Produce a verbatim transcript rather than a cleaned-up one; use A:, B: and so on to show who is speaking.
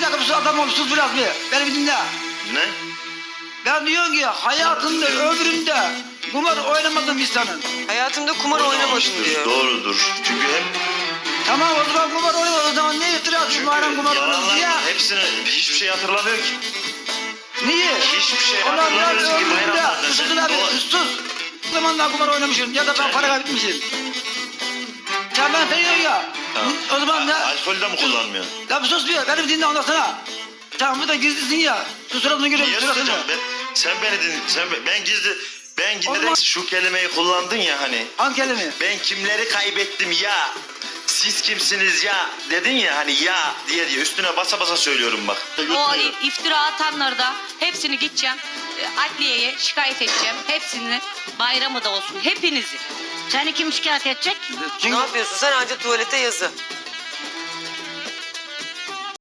A: dakika sus adam ol sus biraz bir. Beni bir dinle.
B: Ne?
A: Ben diyorum ki hayatında ömründe kumar oynamadım insanın.
C: Hayatımda kumar oynamadım
B: Oynamamıştır,
C: diyor.
B: Doğrudur. Çünkü hep
A: Tamam o zaman kumar oynamadım o zaman ne iftira atıyorsun madem kumar oynamadın
B: yalanlar
A: diye.
B: hepsini hiçbir şey hatırlamıyor ki.
A: Niye?
B: Hiçbir şey
A: Ulan biraz
B: hatırlamıyorsun ki
A: ömrümde
B: bayramlarda.
A: susun
B: Sen
A: abi
B: doğru-
A: sus. O zamanlar kumar oynamışım ya da ben para kaybetmişim. Sen bana tanıyorsun ya.
B: Tamam.
A: O zaman ne?
B: Alkol de mi kullanmıyorsun?
A: Ya bir sus bir beni bir dinle ondan sonra. Sen burada gizlisin ya. Su suratını görüyorum
B: Niye
A: suratını.
B: tutacağım ben? Sen beni din, sen be- ben gizli ben
A: O
B: gizli
A: zaman-
B: de şu kelimeyi kullandın ya hani.
A: Hangi kelime?
B: Ben kimleri kaybettim ya? Siz kimsiniz ya? Dedin ya hani ya diye diye üstüne basa basa söylüyorum bak.
D: O
B: Yutmuyor.
D: iftira atanları da hepsini gideceğim. e, Adliyeye şikayet edeceğim. Hepsini bayramı da olsun. Hepinizi.
E: Seni kim şikayet edecek?
C: Ne yapıyorsun sen anca tuvalete yazı.